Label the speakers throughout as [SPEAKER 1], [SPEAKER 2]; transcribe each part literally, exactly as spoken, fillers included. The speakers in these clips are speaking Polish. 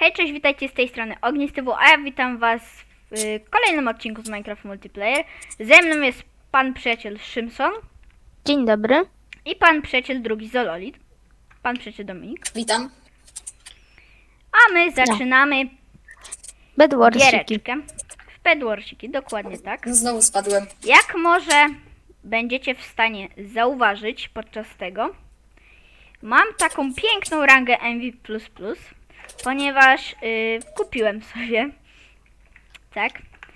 [SPEAKER 1] Hej, cześć, witajcie z tej strony Ognisty W, a ja witam was w y, kolejnym odcinku z Minecraft Multiplayer. Ze mną jest pan przyjaciel Szymson
[SPEAKER 2] Dzień dobry.
[SPEAKER 1] i pan przyjaciel drugi Zololit. Pan przyjaciel Dominik.
[SPEAKER 3] Witam.
[SPEAKER 1] A my zaczynamy
[SPEAKER 2] Bedwarsiki.
[SPEAKER 1] giereczkę w Bedwarsiki, dokładnie tak.
[SPEAKER 3] Znowu spadłem.
[SPEAKER 1] Jak może będziecie w stanie zauważyć podczas tego, mam taką piękną rangę M V plus plus, ponieważ y, kupiłem sobie, tak?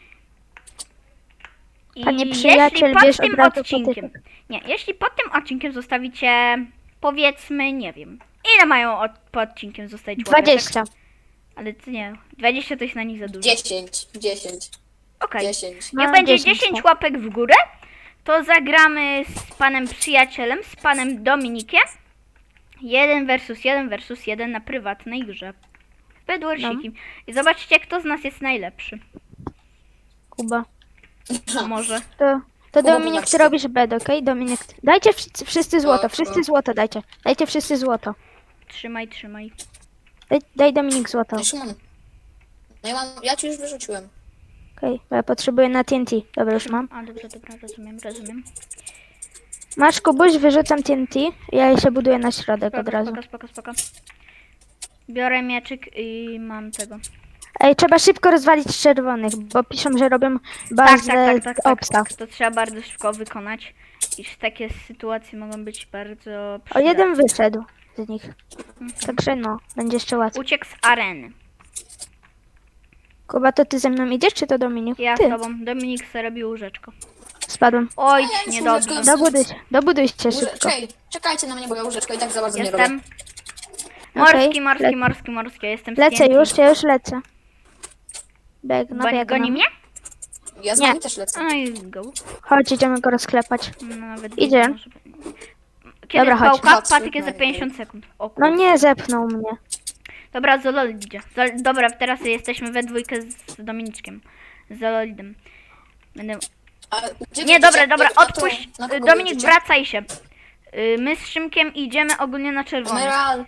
[SPEAKER 1] I
[SPEAKER 2] Panie przyjaciel,
[SPEAKER 1] jeśli pod
[SPEAKER 2] wiesz,
[SPEAKER 1] tym
[SPEAKER 2] od razu
[SPEAKER 1] odcinkiem, nie, jeśli pod tym odcinkiem zostawicie, powiedzmy, nie wiem, ile mają od, pod odcinkiem zostawić łapeczek?
[SPEAKER 2] dwadzieścia.
[SPEAKER 1] Ale to nie, dwadzieścia to jest na nich za dużo.
[SPEAKER 3] Dziesięć. Dziesięć.
[SPEAKER 1] Okej.
[SPEAKER 3] Dziesięć.
[SPEAKER 2] No,
[SPEAKER 1] Jak będzie
[SPEAKER 2] dziesięć,
[SPEAKER 1] dziesięć
[SPEAKER 2] tak.
[SPEAKER 1] łapek w górę, to zagramy z panem przyjacielem, z panem Dominikiem. Jeden versus jeden versus jeden na prywatnej grze. Bedwarsiki. I zobaczcie, kto z nas jest najlepszy.
[SPEAKER 2] Kuba.
[SPEAKER 1] Może.
[SPEAKER 2] To, to
[SPEAKER 3] Kuba,
[SPEAKER 2] Dominik,
[SPEAKER 3] zobaczcie.
[SPEAKER 2] ty robisz bed, okej? Dominik, dajcie wszyscy, wszyscy złoto,
[SPEAKER 3] O,
[SPEAKER 2] wszyscy
[SPEAKER 3] o.
[SPEAKER 2] złoto dajcie. Dajcie wszyscy złoto.
[SPEAKER 1] Trzymaj, trzymaj.
[SPEAKER 2] Daj, daj Dominik złoto.
[SPEAKER 3] No Szymon. No ja, mam, ja ci już wyrzuciłem.
[SPEAKER 2] Okej, bo ja potrzebuję na T N T. Dobra, już mam.
[SPEAKER 1] A, dobra, dobra, rozumiem, rozumiem.
[SPEAKER 2] Masz, Kubuś, wyrzucam T N T. Ja się buduję na środek od
[SPEAKER 1] Spoko,
[SPEAKER 2] razu.
[SPEAKER 1] spoko, spoko, spoko. Biorę mieczyk i mam tego.
[SPEAKER 2] Ej, trzeba szybko rozwalić czerwonych, bo piszą, że robią
[SPEAKER 1] Tak,
[SPEAKER 2] bazę
[SPEAKER 1] tak, tak, tak, tak.
[SPEAKER 2] obstaw.
[SPEAKER 1] To trzeba bardzo szybko wykonać. Iż takie sytuacje mogą być bardzo
[SPEAKER 2] O,
[SPEAKER 1] przydatne.
[SPEAKER 2] jeden wyszedł z nich.
[SPEAKER 1] Mhm.
[SPEAKER 2] Także no, będzie jeszcze łatwiej.
[SPEAKER 1] Uciekł z areny.
[SPEAKER 2] Kuba, to ty ze mną idziesz, czy to Dominik?
[SPEAKER 1] Ja z
[SPEAKER 2] Ty.
[SPEAKER 1] tobą. Dominik se robi łóżeczko.
[SPEAKER 2] Spadłem.
[SPEAKER 1] Oj,
[SPEAKER 3] A ja już
[SPEAKER 1] niedobrze.
[SPEAKER 3] łóżeczko
[SPEAKER 2] Dobuduj się, dobuduj się
[SPEAKER 3] Łóże-
[SPEAKER 2] szybko.
[SPEAKER 3] Czekaj, czekajcie na mnie, bo ja łóżeczko i tak za bardzo nie robię.
[SPEAKER 1] Jestem. Morski,
[SPEAKER 2] Okej,
[SPEAKER 1] morski,
[SPEAKER 2] le-
[SPEAKER 1] morski, morski. Ja jestem z
[SPEAKER 2] Lecę
[SPEAKER 1] T N T.
[SPEAKER 2] już, ja już lecę. Biegnę,
[SPEAKER 1] Goni,
[SPEAKER 2] biegnę.
[SPEAKER 1] goni mnie?
[SPEAKER 3] Ja z
[SPEAKER 2] Nie.
[SPEAKER 3] wami też lecę.
[SPEAKER 1] No i go.
[SPEAKER 2] Chodź, idziemy go rozklepać.
[SPEAKER 1] No, nawet
[SPEAKER 2] Idzie.
[SPEAKER 1] nie może być. Kiedy
[SPEAKER 2] Dobra, chodź.
[SPEAKER 1] pałka?
[SPEAKER 3] Chodź,
[SPEAKER 1] Patyk jest za
[SPEAKER 3] szybko.
[SPEAKER 1] pięćdziesiąt sekund. O
[SPEAKER 2] No
[SPEAKER 1] kurde.
[SPEAKER 2] nie zepchnął mnie.
[SPEAKER 1] Dobra, Zololid idzie. Zol Dobra, teraz jesteśmy we dwójkę z Dominiczkiem. Z Zololidem. Będę...
[SPEAKER 3] A gdzie
[SPEAKER 1] Nie,
[SPEAKER 3] wy
[SPEAKER 1] dobra,
[SPEAKER 3] idziecie?
[SPEAKER 1] dobra,
[SPEAKER 3] Na to-
[SPEAKER 1] odpuść.
[SPEAKER 3] na kogo
[SPEAKER 1] Dominik,
[SPEAKER 3] idziecie?
[SPEAKER 1] wracaj się. Y, My z Szymkiem idziemy ogólnie na czerwono.
[SPEAKER 3] Emerald.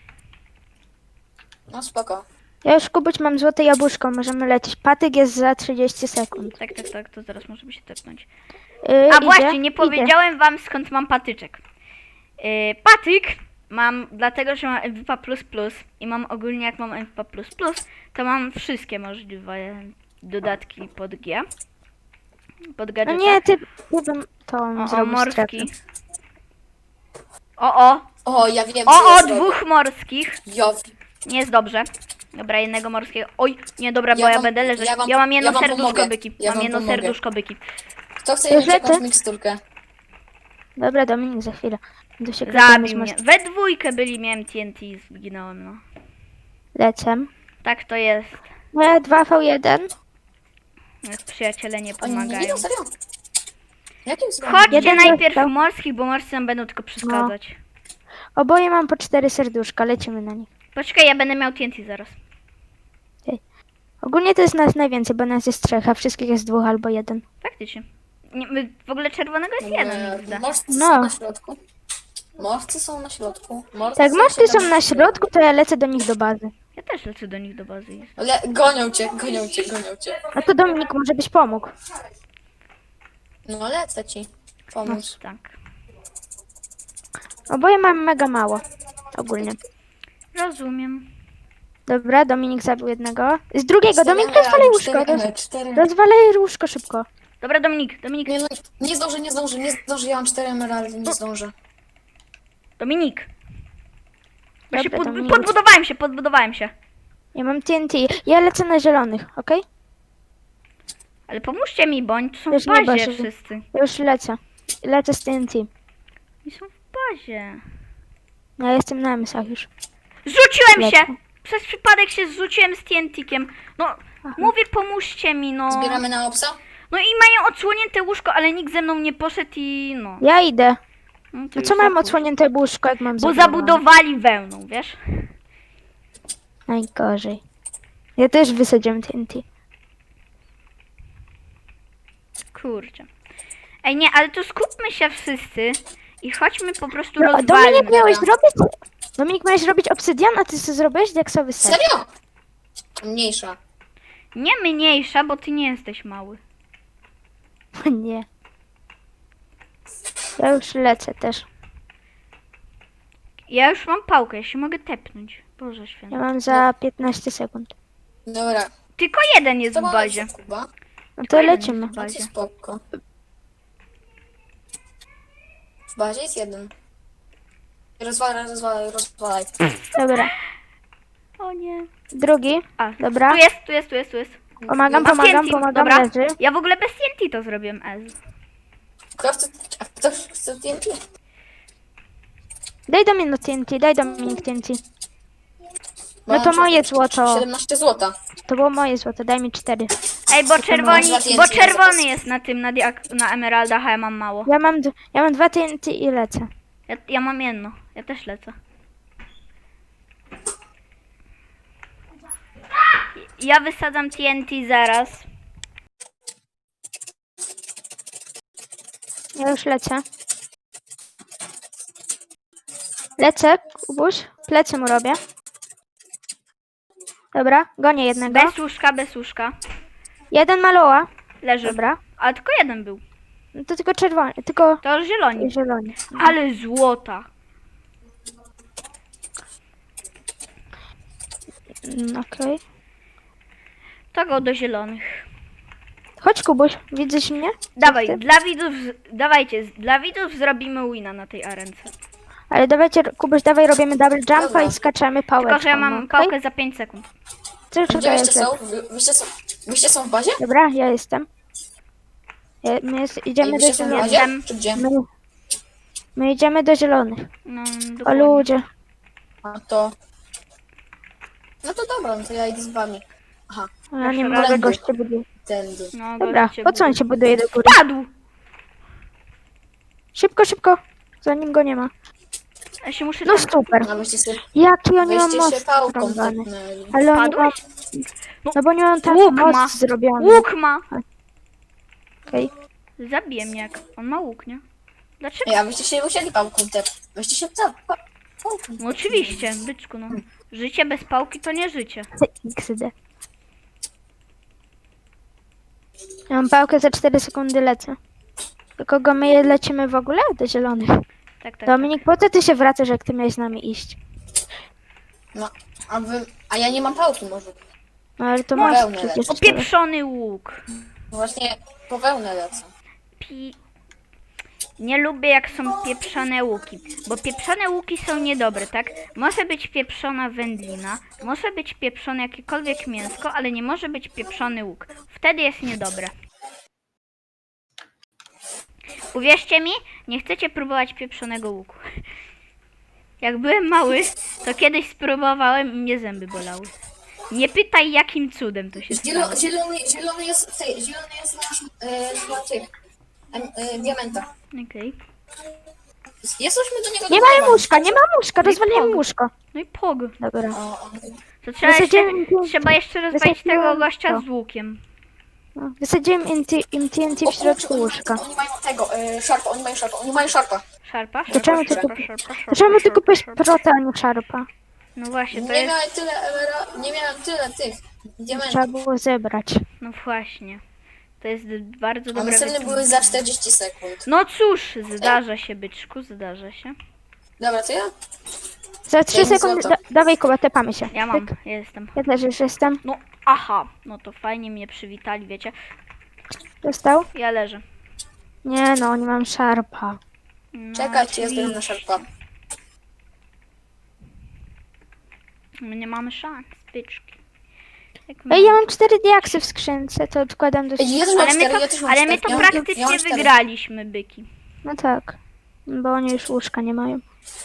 [SPEAKER 3] No spoko.
[SPEAKER 2] Ja już, Kubuś, mam złote jabłuszko, możemy lecieć. Patyk jest za trzydzieści sekund.
[SPEAKER 1] Tak, tak, tak, to zaraz możemy się tepnąć.
[SPEAKER 2] Yy,
[SPEAKER 1] A
[SPEAKER 2] idzie,
[SPEAKER 1] właśnie, nie
[SPEAKER 2] idzie.
[SPEAKER 1] powiedziałem wam, skąd mam patyczek. Yy, patyk mam dlatego, że mam M V P plus plus i mam ogólnie, jak mam M V P plus plus, to mam wszystkie możliwe dodatki pod G. Pod
[SPEAKER 2] No
[SPEAKER 1] gadżetach.
[SPEAKER 2] nie, ty, ty bym to
[SPEAKER 1] O, o,
[SPEAKER 2] zrobił
[SPEAKER 1] morski.
[SPEAKER 2] strefę.
[SPEAKER 1] O, o,
[SPEAKER 3] O, ja wiem, co
[SPEAKER 1] o,
[SPEAKER 3] ja
[SPEAKER 1] o,
[SPEAKER 3] zrobię.
[SPEAKER 1] dwóch morskich.
[SPEAKER 3] Ja,
[SPEAKER 1] Nie jest dobrze. Dobra, jednego morskiego. Oj, nie, dobra, bo
[SPEAKER 3] Ja
[SPEAKER 1] ja
[SPEAKER 3] wam-
[SPEAKER 1] będę leżeć.
[SPEAKER 3] ja wam-
[SPEAKER 1] Ja mam jedno
[SPEAKER 3] ja wam
[SPEAKER 1] serduszko
[SPEAKER 3] pomogę.
[SPEAKER 1] byki.
[SPEAKER 3] Ja
[SPEAKER 1] Mam
[SPEAKER 3] wam
[SPEAKER 1] jedno
[SPEAKER 3] pomogę.
[SPEAKER 1] serduszko byki.
[SPEAKER 3] kto chce
[SPEAKER 2] Już
[SPEAKER 3] mieć jakąś
[SPEAKER 2] lecę.
[SPEAKER 3] miksturkę?
[SPEAKER 2] Dobra, Dominik, za chwilę. Tu się klepamy z
[SPEAKER 1] Zabił mnie.
[SPEAKER 2] most-
[SPEAKER 1] We dwójkę byli, miałem T N T i zginąłem, no.
[SPEAKER 2] Lecę.
[SPEAKER 1] Tak to jest.
[SPEAKER 2] Nie, dwa V jeden.
[SPEAKER 1] Jak przyjaciele nie
[SPEAKER 3] Oni nie
[SPEAKER 1] pomagają.
[SPEAKER 3] widzą, serio? Jakim cudem?
[SPEAKER 1] Chodźcie
[SPEAKER 2] Jeden
[SPEAKER 1] najpierw
[SPEAKER 2] został.
[SPEAKER 1] morskich, bo morscy nam będą tylko przeszkadzać.
[SPEAKER 2] Oboje mam po cztery serduszka, lecimy na nich.
[SPEAKER 1] Poczekaj, ja będę miał T N T zaraz.
[SPEAKER 2] Ogólnie to jest nas najwięcej, bo nas jest trzech, a wszystkich jest dwóch albo jeden.
[SPEAKER 1] Faktycznie. Nie, my, w ogóle czerwonego jest jeden,
[SPEAKER 3] Nie,
[SPEAKER 1] widzę.
[SPEAKER 3] Morscy
[SPEAKER 2] No.
[SPEAKER 3] są na środku. Morscy są na środku. Morscy
[SPEAKER 2] Tak,
[SPEAKER 3] się
[SPEAKER 2] mosty
[SPEAKER 3] tam-
[SPEAKER 2] są na środku, to ja lecę do nich do bazy.
[SPEAKER 1] Ja też lecę do nich do bazy.
[SPEAKER 3] Ale gonią cię, gonią cię, gonią cię.
[SPEAKER 2] No to Dominik, może byś pomógł.
[SPEAKER 3] No lecę ci. Pomóż.
[SPEAKER 1] Tak.
[SPEAKER 2] Oboje mam mega mało. Ogólnie.
[SPEAKER 1] Rozumiem.
[SPEAKER 2] Dobra, Dominik zabił jednego. Z drugiego,
[SPEAKER 3] Cztery
[SPEAKER 2] Dominik,
[SPEAKER 3] emeraldy,
[SPEAKER 2] rozwalaj łóżko.
[SPEAKER 3] cztery
[SPEAKER 2] Roz...
[SPEAKER 3] emeraldy, cztery.
[SPEAKER 2] Rozwalaj łóżko szybko.
[SPEAKER 1] Dobra, Dominik, Dominik,
[SPEAKER 3] Nie, no, nie zdążę, nie zdążę, nie zdążę, ja mam cztery emeraldy, nie zdążę.
[SPEAKER 1] Dominik. Ja się
[SPEAKER 2] Dobra,
[SPEAKER 1] pod,
[SPEAKER 2] Dominik.
[SPEAKER 1] podbudowałem się, podbudowałem się.
[SPEAKER 2] Ja mam T N T. Ja lecę na zielonych, okej?
[SPEAKER 1] Ale pomóżcie mi, bo oni tu są
[SPEAKER 2] Już
[SPEAKER 1] w
[SPEAKER 2] nie
[SPEAKER 1] bazie
[SPEAKER 2] boję się.
[SPEAKER 1] wszyscy.
[SPEAKER 2] Ja już lecę. Lecę z T N T.
[SPEAKER 1] Oni są w bazie.
[SPEAKER 2] Ja jestem na emsach już.
[SPEAKER 1] Zrzuciłem się!
[SPEAKER 2] Lecę.
[SPEAKER 1] Przez przypadek się zrzuciłem z T N T-kiem. No, mówię, pomóżcie mi, no.
[SPEAKER 3] Zbieramy na obsa?
[SPEAKER 1] No i mają odsłonięte łóżko, ale nikt ze mną nie poszedł i no.
[SPEAKER 2] Ja idę.
[SPEAKER 1] No, to
[SPEAKER 2] No
[SPEAKER 1] już
[SPEAKER 2] co mam
[SPEAKER 1] za późno.
[SPEAKER 2] odsłonięte łóżko, jak mam
[SPEAKER 1] Bo
[SPEAKER 2] zabudowane?
[SPEAKER 1] zabudowali wełną, wiesz?
[SPEAKER 2] Najgorzej. Ja też wysadziłem T N T.
[SPEAKER 1] Kurczę. Ej, nie, ale to skupmy się wszyscy i chodźmy po prostu
[SPEAKER 2] No,
[SPEAKER 1] rozwalmy.
[SPEAKER 2] Dominik, miałeś
[SPEAKER 3] dobra.
[SPEAKER 2] zrobić... Dominik, miałeś robić obsydian, a ty co zrobiłeś? Diaksowy set.
[SPEAKER 3] Serio? Mniejsza.
[SPEAKER 1] Nie mniejsza, bo ty nie jesteś mały.
[SPEAKER 2] Nie. Ja już lecę też.
[SPEAKER 1] Ja już mam pałkę, ja się mogę tepnąć. Boże
[SPEAKER 2] Ja
[SPEAKER 1] święty.
[SPEAKER 2] mam za piętnaście sekund.
[SPEAKER 3] Dobra.
[SPEAKER 1] Tylko jeden jest
[SPEAKER 3] To
[SPEAKER 1] w
[SPEAKER 3] mamy
[SPEAKER 1] bazie.
[SPEAKER 3] co, Kuba?
[SPEAKER 2] No to
[SPEAKER 1] jeden
[SPEAKER 2] lecimy.
[SPEAKER 1] jest w
[SPEAKER 3] No
[SPEAKER 1] bazie.
[SPEAKER 3] to spoko. W bazie jest jeden. Rozwalaj, rozwalaj, rozwalaj.
[SPEAKER 2] Dobra.
[SPEAKER 1] O nie.
[SPEAKER 2] Drugi.
[SPEAKER 1] A,
[SPEAKER 2] Dobra.
[SPEAKER 1] tu jest, tu jest, tu jest, tu jest.
[SPEAKER 2] Pomagam,
[SPEAKER 1] Mam
[SPEAKER 2] pomagam,
[SPEAKER 1] T N T,
[SPEAKER 2] pomagam,
[SPEAKER 1] dobra.
[SPEAKER 2] leży.
[SPEAKER 1] Ja w ogóle bez T N T to zrobiłem Ez.
[SPEAKER 3] Kto chce, a kto chce T N T?
[SPEAKER 2] Daj do mnie no T N T, daj do mnie T N T.
[SPEAKER 3] Bo
[SPEAKER 2] No to
[SPEAKER 3] mam
[SPEAKER 2] moje złoto.
[SPEAKER 3] siedemnaście złota.
[SPEAKER 2] To było moje złoto, daj mi cztery.
[SPEAKER 1] Ej, bo czerwoni,
[SPEAKER 3] Masz dwa
[SPEAKER 1] bo
[SPEAKER 3] T N T na
[SPEAKER 1] czerwony
[SPEAKER 3] zapas.
[SPEAKER 1] jest na tym, na, diak- na emeraldach, a ja mam mało.
[SPEAKER 2] Ja mam, d- ja mam dwa T N T i lecę.
[SPEAKER 1] Ja, ja mam jedno, ja też lecę. Ja wysadzam T N T zaraz.
[SPEAKER 2] Ja już lecę. Lecę, Kubuś. Plecy mu robię. Dobra, gonię jednego.
[SPEAKER 1] Bez łóżka, bez łóżka.
[SPEAKER 2] Jeden maloła.
[SPEAKER 1] Leży.
[SPEAKER 2] Dobra.
[SPEAKER 1] Ale tylko jeden był.
[SPEAKER 2] No to tylko czerwony, tylko
[SPEAKER 1] To już zieloni.
[SPEAKER 2] zielony.
[SPEAKER 1] Ale złota.
[SPEAKER 2] Mm, Okej.
[SPEAKER 1] To go do zielonych.
[SPEAKER 2] Chodź Kubuś, widzisz mnie?
[SPEAKER 1] Dawaj,
[SPEAKER 2] Ty?
[SPEAKER 1] dla widzów, z- dawajcie, z- dla widzów zrobimy wina na tej arence.
[SPEAKER 2] Ale dawajcie, Kubuś, dawaj robimy double jumpa
[SPEAKER 3] Dobra.
[SPEAKER 2] i skaczemy pałeczką.
[SPEAKER 1] Tylko, że ja mam
[SPEAKER 2] no, okej?
[SPEAKER 1] pałkę za pięć sekund.
[SPEAKER 2] Ty,
[SPEAKER 3] Gdzie
[SPEAKER 2] czekaj,
[SPEAKER 3] wyście
[SPEAKER 2] ja
[SPEAKER 3] są? Wy, wyście są? Wyście są w bazie?
[SPEAKER 2] Dobra, ja jestem. Ja, my jest,
[SPEAKER 3] Ej,
[SPEAKER 2] idziemy do
[SPEAKER 3] wyście są w
[SPEAKER 2] zielonych.
[SPEAKER 3] bazie?
[SPEAKER 1] Jestem.
[SPEAKER 3] Czy gdzie?
[SPEAKER 2] My, my idziemy do zielonych.
[SPEAKER 1] No,
[SPEAKER 2] O
[SPEAKER 1] dokładnie.
[SPEAKER 2] ludzie.
[SPEAKER 3] A to... No to dobra, no to ja idę z wami. Aha,
[SPEAKER 2] Ja nie
[SPEAKER 1] Proszę
[SPEAKER 2] mogę,
[SPEAKER 3] bardzo.
[SPEAKER 2] goście buduje.
[SPEAKER 3] tędy.
[SPEAKER 1] No,
[SPEAKER 2] Dobra,
[SPEAKER 1] goście
[SPEAKER 2] po co on
[SPEAKER 1] budują.
[SPEAKER 2] się buduje do góry?
[SPEAKER 1] Padł!
[SPEAKER 2] Szybko, szybko, zanim go nie ma.
[SPEAKER 1] Ja się muszę
[SPEAKER 2] No
[SPEAKER 1] tam...
[SPEAKER 2] super.
[SPEAKER 3] A wyście sobie,
[SPEAKER 2] Jaki oni mają
[SPEAKER 3] wyście się
[SPEAKER 2] most
[SPEAKER 3] pałką
[SPEAKER 2] zrobiony.
[SPEAKER 3] tepnęli.
[SPEAKER 2] Ale oni mają...
[SPEAKER 1] Padłeś? No,
[SPEAKER 2] No bo nie mam tak
[SPEAKER 1] łuk
[SPEAKER 2] most
[SPEAKER 1] ma.
[SPEAKER 2] zrobiony.
[SPEAKER 1] Łuk ma!
[SPEAKER 2] Okej.
[SPEAKER 1] Zabije mnie jak on ma łuk, nie? Dlaczego?
[SPEAKER 3] Ej, a wyście się musieli pałką tepnąć. Wyście się ta, pa, pałką
[SPEAKER 1] No oczywiście, byczku, no. Życie bez pałki to nie życie.
[SPEAKER 2] X D. Ja mam pałkę za cztery sekundy lecę. Do kogo my lecimy w ogóle? Do zielonych.
[SPEAKER 1] Tak, tak.
[SPEAKER 2] Dominik, po co ty się wracasz, jak ty miałeś z nami iść?
[SPEAKER 3] No, a wy... A ja nie mam pałki może.
[SPEAKER 2] No ale to
[SPEAKER 3] No,
[SPEAKER 2] masz
[SPEAKER 3] wełnę
[SPEAKER 2] przecież.
[SPEAKER 3] lecę.
[SPEAKER 1] Opieprzony łuk.
[SPEAKER 3] No właśnie po wełnę lecę.
[SPEAKER 1] Pi... Nie lubię jak są pieprzone łuki, bo pieprzone łuki są niedobre, tak? Może być pieprzona wędlina, może być pieprzone jakiekolwiek mięsko, ale nie może być pieprzony łuk. Wtedy jest niedobre. Uwierzcie mi, nie chcecie próbować pieprzonego łuku. Jak byłem mały, to kiedyś spróbowałem i mnie zęby bolały. Nie pytaj jakim cudem to się stało.
[SPEAKER 3] Zielo, zielony, zielony jest, ty, zielony jest nasz, e, na tych, em, e, diamentach.
[SPEAKER 1] Okej.
[SPEAKER 3] Jesteśmy do niego
[SPEAKER 2] Nie
[SPEAKER 3] dobywani.
[SPEAKER 2] mają łóżka, nie ma łóżka, rozwaliłem
[SPEAKER 1] pog.
[SPEAKER 2] łóżko.
[SPEAKER 1] No i pog.
[SPEAKER 2] Dobra.
[SPEAKER 3] O, o,
[SPEAKER 1] To trzeba jeszcze,
[SPEAKER 2] Wysadziłem im
[SPEAKER 1] trzeba jeszcze rozwalić
[SPEAKER 2] wysadziłem
[SPEAKER 1] tego gościa
[SPEAKER 2] to.
[SPEAKER 1] z łukiem.
[SPEAKER 2] No, wysadziłem im T- im T N T
[SPEAKER 3] o
[SPEAKER 2] w środku
[SPEAKER 3] kurczę,
[SPEAKER 2] łóżka.
[SPEAKER 3] Oni, oni mają tego, e, szarpa, oni mają szarpa, oni mają szarpa.
[SPEAKER 1] Szarpa,
[SPEAKER 2] To
[SPEAKER 1] szarpa,
[SPEAKER 2] czemu ty
[SPEAKER 1] szarpa,
[SPEAKER 2] kupi-
[SPEAKER 1] szarpa, szarpa,
[SPEAKER 2] To czemu ty
[SPEAKER 1] szarpa,
[SPEAKER 2] kupisz
[SPEAKER 1] szarpa.
[SPEAKER 2] prota, a nie szarpa?
[SPEAKER 1] No właśnie, to
[SPEAKER 3] Nie
[SPEAKER 1] jest...
[SPEAKER 3] miałem tyle, emera, nie miałem tyle tych diamentów.
[SPEAKER 2] Trzeba było zebrać.
[SPEAKER 1] No właśnie. To jest bardzo
[SPEAKER 3] A
[SPEAKER 1] dobre
[SPEAKER 3] następne były
[SPEAKER 1] wytłumaczenie.
[SPEAKER 3] za czterdzieści sekund.
[SPEAKER 1] No cóż, zdarza się, byczku, zdarza się.
[SPEAKER 3] Dobra, to ja?
[SPEAKER 2] Za trzy
[SPEAKER 3] Daj mi
[SPEAKER 2] sekundy,
[SPEAKER 3] złoto.
[SPEAKER 2] da, dawaj Kuba, tepamy się.
[SPEAKER 1] Ja mam,
[SPEAKER 2] Tyk.
[SPEAKER 1] ja jestem.
[SPEAKER 2] Ja też już jestem.
[SPEAKER 1] No, aha, no to fajnie mnie przywitali, wiecie.
[SPEAKER 2] Dostał?
[SPEAKER 1] Ja leżę.
[SPEAKER 2] Nie no, nie mam szarpa.
[SPEAKER 1] No,
[SPEAKER 3] Czekajcie, ja zbieram na
[SPEAKER 1] oczywiście.
[SPEAKER 3] szarpa.
[SPEAKER 1] My nie mamy szans, byczki. Jak
[SPEAKER 2] Ej,
[SPEAKER 1] my-
[SPEAKER 2] ja mam cztery diaksy w skrzynce, to odkładam do...
[SPEAKER 3] Ej, ja też mam
[SPEAKER 1] Ale my
[SPEAKER 3] cztery,
[SPEAKER 1] to,
[SPEAKER 3] ja też mam
[SPEAKER 1] ale
[SPEAKER 3] cztery.
[SPEAKER 1] my to
[SPEAKER 3] ja mam- ja
[SPEAKER 1] praktycznie
[SPEAKER 3] mam cztery.
[SPEAKER 1] wygraliśmy, byki.
[SPEAKER 2] No tak. Bo oni już łóżka nie mają.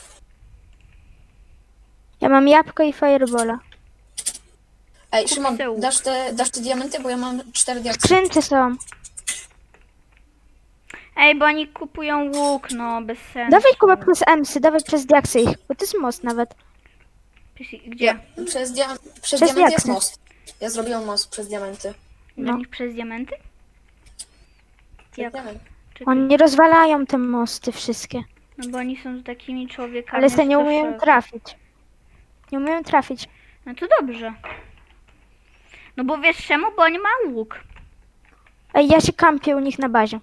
[SPEAKER 2] Ja mam jabłko i firebola.
[SPEAKER 3] Ej, Szymon,
[SPEAKER 1] Kup se
[SPEAKER 3] dasz te, dasz te diamenty, bo ja mam cztery
[SPEAKER 2] W
[SPEAKER 3] diaksy.
[SPEAKER 2] skrzynce są.
[SPEAKER 1] Ej, bo oni kupują łuk, no, bez sensu.
[SPEAKER 2] Dawaj Kuba przez emsy, dawaj przez diaksy ich, bo to jest most nawet.
[SPEAKER 1] Gdzie?
[SPEAKER 3] Ja, przez, dia przez,
[SPEAKER 2] Przez
[SPEAKER 3] diamenty jest
[SPEAKER 2] diaksy.
[SPEAKER 3] most. Ja zrobiłam most przez diamenty.
[SPEAKER 1] Do
[SPEAKER 2] No.
[SPEAKER 1] nich przez diamenty?
[SPEAKER 3] Przez
[SPEAKER 1] Jak?
[SPEAKER 3] diamenty.
[SPEAKER 1] Czekaj.
[SPEAKER 2] Oni rozwalają te mosty wszystkie.
[SPEAKER 1] No bo oni są takimi człowiekami.
[SPEAKER 2] Ale se nie
[SPEAKER 1] to
[SPEAKER 2] umieją
[SPEAKER 1] szok.
[SPEAKER 2] trafić. Nie umieją trafić.
[SPEAKER 1] No to dobrze. No bo wiesz czemu? Bo oni mają łuk.
[SPEAKER 2] Ej, ja się kampię u nich na bazie.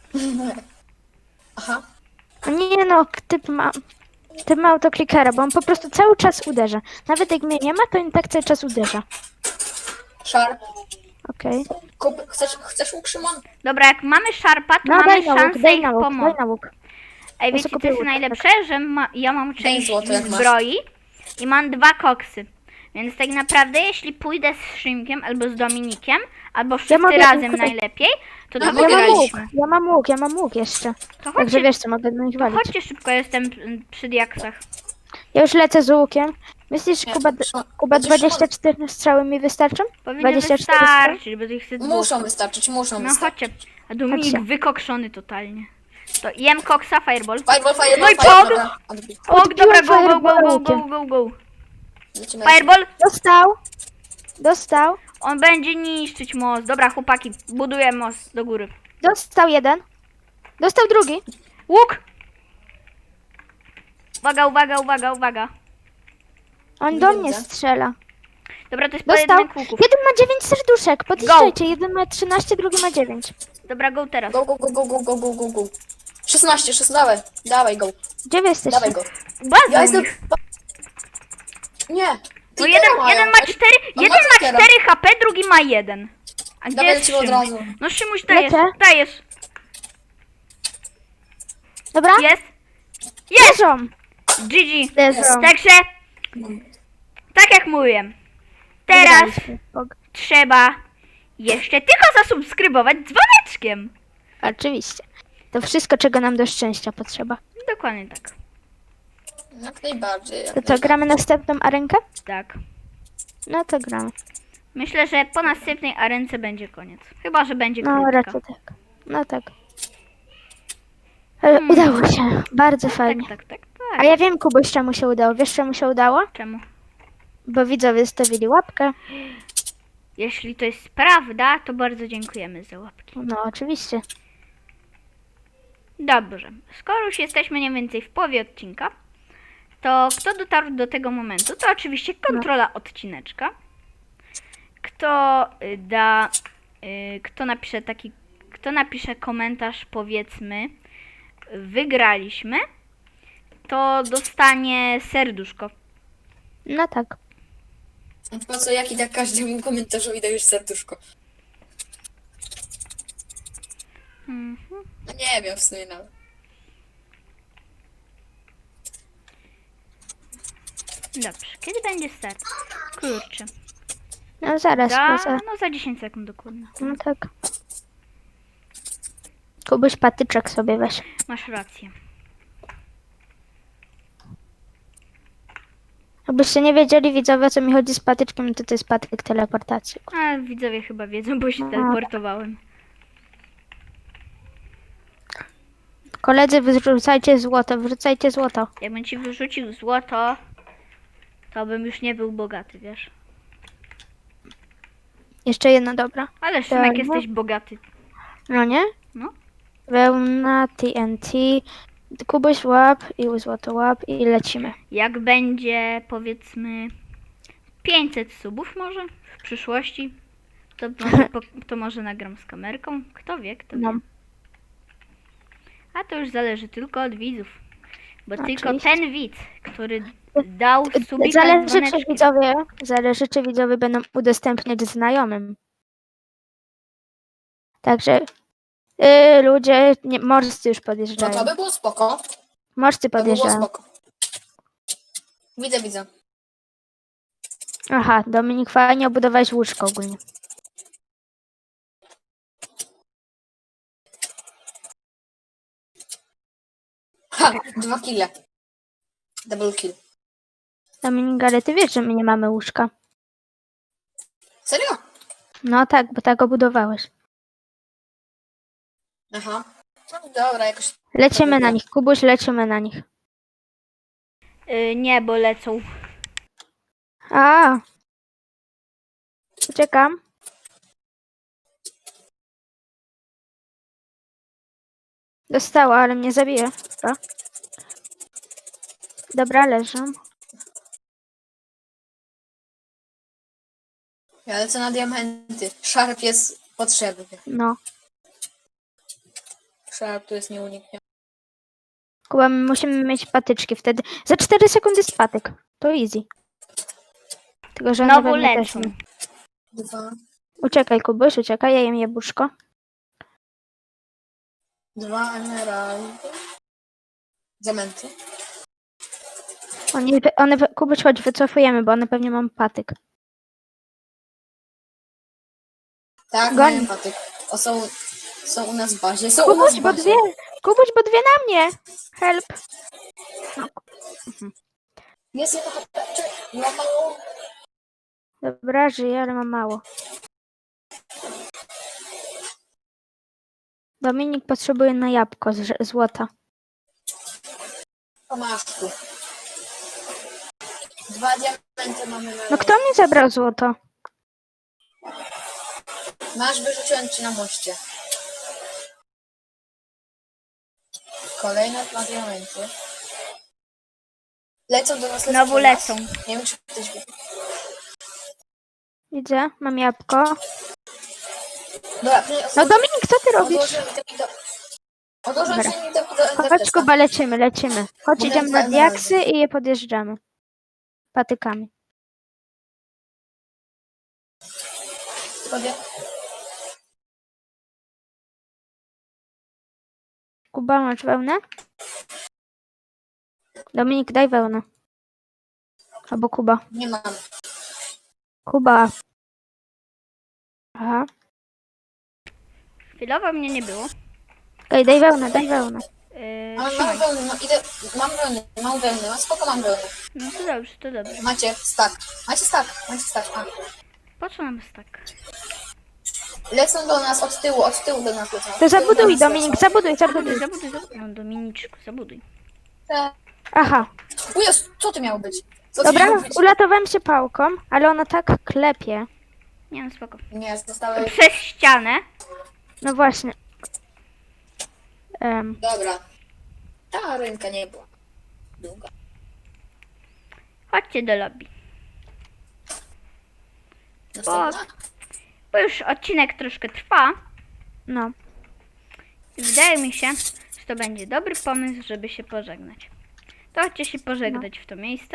[SPEAKER 3] Aha.
[SPEAKER 2] O nie no, typ ma... Typ ma autoklikera, bo on po prostu cały czas uderza. Nawet jak mnie nie ma, to on tak cały czas uderza.
[SPEAKER 3] Szar.
[SPEAKER 2] Okej.
[SPEAKER 3] Kup, chcesz, chcesz łuk, Szymon?
[SPEAKER 1] Dobra, jak mamy szarpa, to
[SPEAKER 2] No
[SPEAKER 1] mamy
[SPEAKER 2] daj na łuk,
[SPEAKER 1] szansę
[SPEAKER 2] daj
[SPEAKER 1] ich
[SPEAKER 2] na łuk,
[SPEAKER 1] pomóc.
[SPEAKER 2] daj na łuk.
[SPEAKER 1] Ej,
[SPEAKER 2] Ja
[SPEAKER 1] wiecie,
[SPEAKER 2] sobie
[SPEAKER 1] co
[SPEAKER 2] kupię
[SPEAKER 1] jest
[SPEAKER 2] łuk,
[SPEAKER 1] najlepsze? Że ma, ja mam część
[SPEAKER 3] złoto, jak masz.
[SPEAKER 1] zbroi i mam dwa koksy. Więc tak naprawdę, jeśli pójdę z Szymkiem albo z Dominikiem, albo wszyscy
[SPEAKER 2] mogę-
[SPEAKER 1] razem
[SPEAKER 2] tutaj-
[SPEAKER 1] najlepiej, to
[SPEAKER 3] Ja
[SPEAKER 2] Ja
[SPEAKER 3] mogę
[SPEAKER 2] mam łuk,
[SPEAKER 1] wygraliśmy.
[SPEAKER 2] ja mam łuk, ja mam łuk jeszcze.
[SPEAKER 1] To
[SPEAKER 2] Także
[SPEAKER 1] chodźcie,
[SPEAKER 2] wiesz co, mogę na nich
[SPEAKER 1] to
[SPEAKER 2] walić.
[SPEAKER 1] chodźcie szybko, jestem przy diaksach.
[SPEAKER 2] Ja już lecę z łukiem. Myślisz,
[SPEAKER 3] Nie,
[SPEAKER 2] Kuba,
[SPEAKER 3] Szymon,
[SPEAKER 2] Kuba
[SPEAKER 3] będziesz
[SPEAKER 2] dwadzieścia cztery strzały mi wystarczą?
[SPEAKER 1] Powinno
[SPEAKER 2] dwadzieścia cztery
[SPEAKER 1] wystarczyć, bo tych chcę dwóch.
[SPEAKER 3] Muszą wystarczyć, muszą
[SPEAKER 1] No
[SPEAKER 3] wystarczyć.
[SPEAKER 1] chodźcie. A Dominik
[SPEAKER 2] Chodźcie.
[SPEAKER 1] wykokszony totalnie. To jem koksa, fireball.
[SPEAKER 3] Fireball, fireball,
[SPEAKER 1] No i
[SPEAKER 3] fireball.
[SPEAKER 1] pog!
[SPEAKER 3] Dobra, odbij.
[SPEAKER 1] Ok, dobra, go, go, go, go,
[SPEAKER 2] fireballem.
[SPEAKER 1] go, go, go.
[SPEAKER 3] Lecimy.
[SPEAKER 1] Fireball!
[SPEAKER 2] Dostał. Dostał.
[SPEAKER 1] On będzie niszczyć most. Dobra, chłopaki, buduję most do góry.
[SPEAKER 2] Dostał jeden. Dostał drugi.
[SPEAKER 1] Łuk! Uwaga, uwaga, uwaga, uwaga.
[SPEAKER 2] On
[SPEAKER 3] Nie
[SPEAKER 2] do
[SPEAKER 3] widzę.
[SPEAKER 2] mnie strzela.
[SPEAKER 1] Dobra, to jest
[SPEAKER 2] Dostał.
[SPEAKER 1] pojedynek łuków.
[SPEAKER 2] Jeden ma dziewięć serduszek. Podjeżdżajcie. Jeden ma trzynaście, drugi ma dziewięć.
[SPEAKER 1] Dobra, go teraz.
[SPEAKER 3] Go, go, go, go, go, go, go, go, go. szesnaście, szesnaście, dawaj, dawaj go,
[SPEAKER 2] Gdzie wy jesteście?
[SPEAKER 3] dawaj go.
[SPEAKER 1] Baza
[SPEAKER 3] Ja
[SPEAKER 1] u
[SPEAKER 3] jestem...
[SPEAKER 1] nich.
[SPEAKER 3] Nie.
[SPEAKER 1] No jeden, jeden ma cztery,
[SPEAKER 3] On
[SPEAKER 1] jeden
[SPEAKER 3] ma
[SPEAKER 1] ma
[SPEAKER 3] Jokera.
[SPEAKER 1] cztery H P, drugi ma jeden. A gdzie
[SPEAKER 3] Dawaj,
[SPEAKER 1] jest
[SPEAKER 3] lecimy od
[SPEAKER 1] Szymuś?
[SPEAKER 3] razu.
[SPEAKER 1] No Szymuś, dajesz,
[SPEAKER 2] Lecę.
[SPEAKER 1] dajesz.
[SPEAKER 2] Dobra?
[SPEAKER 1] Jest.
[SPEAKER 2] Leżą.
[SPEAKER 1] G G.
[SPEAKER 2] Leżą.
[SPEAKER 1] Także, tak jak mówiłem, teraz
[SPEAKER 2] Wygraliśmy. Bog.
[SPEAKER 1] trzeba jeszcze tylko zasubskrybować dzwoneczkiem.
[SPEAKER 2] Oczywiście. To wszystko, czego nam do szczęścia potrzeba.
[SPEAKER 1] Dokładnie tak.
[SPEAKER 3] Jak najbardziej. Jak
[SPEAKER 2] To co,
[SPEAKER 3] najbardziej.
[SPEAKER 2] gramy następną arenkę?
[SPEAKER 1] Tak.
[SPEAKER 2] No to gramy.
[SPEAKER 1] Myślę, że po następnej arence będzie koniec. Chyba, że będzie
[SPEAKER 2] No
[SPEAKER 1] krótka.
[SPEAKER 2] raczej tak. No tak. Ale udało się. Bardzo fajnie.
[SPEAKER 1] Tak, tak, tak,
[SPEAKER 2] A
[SPEAKER 1] tak.
[SPEAKER 2] ja wiem, Kubuś, czemu się udało. Wiesz, czemu się udało?
[SPEAKER 1] Czemu?
[SPEAKER 2] Bo widzowie stawili łapkę.
[SPEAKER 1] Jeśli to jest prawda, to bardzo dziękujemy za łapki.
[SPEAKER 2] No oczywiście.
[SPEAKER 1] Dobrze. Skoro już jesteśmy mniej więcej w połowie odcinka, to kto dotarł do tego momentu, to oczywiście kontrola odcineczka. Kto y, da, y, kto napisze taki, kto napisze komentarz, powiedzmy, wygraliśmy, to dostanie serduszko.
[SPEAKER 2] No tak.
[SPEAKER 3] Po co, jak i tak każdemu komentarzowi dajesz serduszko.
[SPEAKER 1] Mhm.
[SPEAKER 3] No nie wiem w sumie nawet.
[SPEAKER 1] Dobrze. Kiedy będzie start? Kurczę.
[SPEAKER 2] No zaraz,
[SPEAKER 1] Za,
[SPEAKER 2] za...
[SPEAKER 1] no za dziesięć sekund dokładnie.
[SPEAKER 2] No tak. Kubuś, patyczek sobie weź.
[SPEAKER 1] Masz rację.
[SPEAKER 2] Jakbyście nie wiedzieli, widzowie, o co mi chodzi z patyczkiem, to to jest patyk teleportacji.
[SPEAKER 1] A widzowie chyba wiedzą, bo się
[SPEAKER 2] No.
[SPEAKER 1] teleportowałem.
[SPEAKER 2] Koledzy, wyrzucajcie złoto, wyrzucajcie złoto.
[SPEAKER 1] Jakbym ci wyrzucił złoto, to bym już nie był bogaty, wiesz.
[SPEAKER 2] Jeszcze jedno, dobra.
[SPEAKER 1] Ale Szymek,
[SPEAKER 2] Tak, no.
[SPEAKER 1] jesteś bogaty.
[SPEAKER 2] No nie?
[SPEAKER 1] No.
[SPEAKER 2] Wełna, T N T, Kubuś łap i złoto łap i lecimy.
[SPEAKER 1] Jak będzie, powiedzmy, pięćset subów może w przyszłości, to może, po, to może nagram z kamerką. Kto wie, kto wie.
[SPEAKER 2] No.
[SPEAKER 1] A to już zależy tylko od widzów. Bo tylko
[SPEAKER 2] Oczywiście.
[SPEAKER 1] ten widz, który dał subika z
[SPEAKER 2] Zależy, czy
[SPEAKER 1] dzwoneczkiem.
[SPEAKER 2] widzowie, zależy, czy widzowie będą udostępniać znajomym. Także yy, ludzie, nie, morscy już
[SPEAKER 3] No
[SPEAKER 2] podjeżdżają.
[SPEAKER 3] to by było spoko.
[SPEAKER 2] Morscy
[SPEAKER 3] To by było
[SPEAKER 2] podjeżdżają.
[SPEAKER 3] spoko. Widzę, widzę.
[SPEAKER 2] Aha, Dominik, fajnie obudowałeś łóżko ogólnie.
[SPEAKER 3] Ha! Dwa kile. Double kill.
[SPEAKER 2] Dominik, ale ty wiesz, że my nie mamy łóżka.
[SPEAKER 3] Serio?
[SPEAKER 2] No tak, bo tak obudowałeś.
[SPEAKER 3] Aha. No dobra, jakoś...
[SPEAKER 2] Lecimy na nich, Kubuś, lecimy na nich.
[SPEAKER 1] Y, nie, bo lecą.
[SPEAKER 2] A. Czekam. Dostała, ale mnie zabije. Dobra, Dobra leżę.
[SPEAKER 3] Ja lecę na diamenty. Sharp jest potrzebny.
[SPEAKER 2] No.
[SPEAKER 3] Sharp tu jest nieunikniony.
[SPEAKER 2] Kuba, my musimy mieć patyczki wtedy. Za cztery sekundy jest patyk. To easy. Tylko, że
[SPEAKER 1] Znowu
[SPEAKER 2] pewnie też
[SPEAKER 1] lecą.
[SPEAKER 2] nie.
[SPEAKER 3] Dwa.
[SPEAKER 2] Uciekaj, Kubuś, uciekaj, ja jem jabłuszko.
[SPEAKER 3] Dwa emeraldy. Diamenty.
[SPEAKER 2] Oni, one, Kubuś, chodź, wycofujemy, bo one pewnie mam patyk.
[SPEAKER 3] Tak,
[SPEAKER 2] Goń.
[SPEAKER 3] mają patyk. O, są, są u nas w bazie. Są u nas
[SPEAKER 2] Kubuś,
[SPEAKER 3] w
[SPEAKER 2] bo
[SPEAKER 3] bazie.
[SPEAKER 2] dwie! Kubuś, bo dwie na mnie! Help!
[SPEAKER 3] Jest jedno H P. Czekaj, nie mam mało.
[SPEAKER 2] Dobra, żyję, ale mam mało. Dominik potrzebuje na jabłko z złota.
[SPEAKER 3] O, masz tu. Dwa diamenty mamy na
[SPEAKER 2] No kto mi zabrał złoto?
[SPEAKER 3] Masz, wyrzuciłem ci na moście. Kolejne dwa diamenty. Lecą do nas, lecą
[SPEAKER 1] Znowu
[SPEAKER 3] do nas.
[SPEAKER 1] lecą.
[SPEAKER 3] Nie wiem, czy ktoś wie.
[SPEAKER 2] Widzę, mam jabłko.
[SPEAKER 3] Dobra, przecież
[SPEAKER 2] No Dominik, co ty robisz?
[SPEAKER 3] odłożyłem mi to mi do... Odłożyłem
[SPEAKER 2] Dobra.
[SPEAKER 3] się mi to do
[SPEAKER 2] Chodź,
[SPEAKER 3] Endertesta.
[SPEAKER 2] Kuba, lecimy, lecimy. Chodź,
[SPEAKER 3] Będę
[SPEAKER 2] idziemy na
[SPEAKER 3] dwa
[SPEAKER 2] diaksy i je podjeżdżamy. Patykami.
[SPEAKER 3] Podję-
[SPEAKER 2] Kuba, masz wełnę? Dominik, daj wełnę. Albo Kuba.
[SPEAKER 3] Nie mam.
[SPEAKER 2] Kuba. Aha.
[SPEAKER 1] Chwilowo mnie nie było.
[SPEAKER 2] Okej, daj wełnę, daj wełnę.
[SPEAKER 1] Yy,
[SPEAKER 3] Mam, mam
[SPEAKER 1] trzymaj.
[SPEAKER 3] wełny, no idę. Mam wełny, mam wełny. Mam spoko, mam wełny.
[SPEAKER 1] No to dobrze, to dobrze.
[SPEAKER 3] Macie stack. Macie stack, macie stack. A.
[SPEAKER 1] Po co nam tak?
[SPEAKER 3] Lecą do nas od tyłu, od tyłu do nas lecą. Od
[SPEAKER 2] To
[SPEAKER 3] tyłu do
[SPEAKER 2] zabuduj,
[SPEAKER 3] nas
[SPEAKER 2] Dominik,
[SPEAKER 3] lecą.
[SPEAKER 2] zabuduj,
[SPEAKER 1] Zabuduj,
[SPEAKER 2] zabuduj.
[SPEAKER 1] zabuduj, zabuduj. No Dominiczku, zabuduj.
[SPEAKER 3] Tak.
[SPEAKER 2] Aha,
[SPEAKER 3] O Jezu, co to miało być? Co to
[SPEAKER 2] dobra,
[SPEAKER 3] miało być?
[SPEAKER 2] ulatowałem się pałką, ale ona tak klepie.
[SPEAKER 1] Nie no, spoko.
[SPEAKER 3] Nie, zostały...
[SPEAKER 1] Przez ścianę.
[SPEAKER 2] No właśnie. Em,
[SPEAKER 3] Dobra. Ta rynka nie była długa.
[SPEAKER 1] Chodźcie do lobby.
[SPEAKER 3] Następna?
[SPEAKER 1] Bo już odcinek troszkę trwa.
[SPEAKER 2] no.
[SPEAKER 1] I wydaje mi się, że to będzie dobry pomysł, żeby się pożegnać. To chodźcie się pożegnać w to miejsce.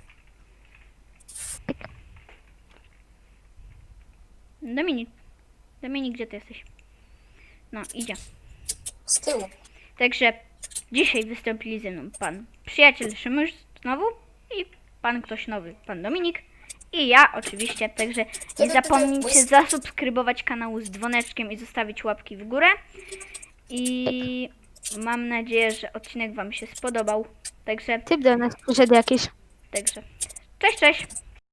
[SPEAKER 1] Dominik. Dominik, gdzie ty jesteś? No, idzie.
[SPEAKER 3] Z tyłu.
[SPEAKER 1] Także dzisiaj wystąpili ze mną pan przyjaciel Szymuś znowu i pan ktoś nowy, pan Dominik i ja oczywiście. Także nie zapomnijcie zasubskrybować kanału z dzwoneczkiem i zostawić łapki w górę. I mam nadzieję, że odcinek wam się spodobał. Także,
[SPEAKER 2] Typ do nas przyszedł jakiś.
[SPEAKER 1] także cześć, cześć!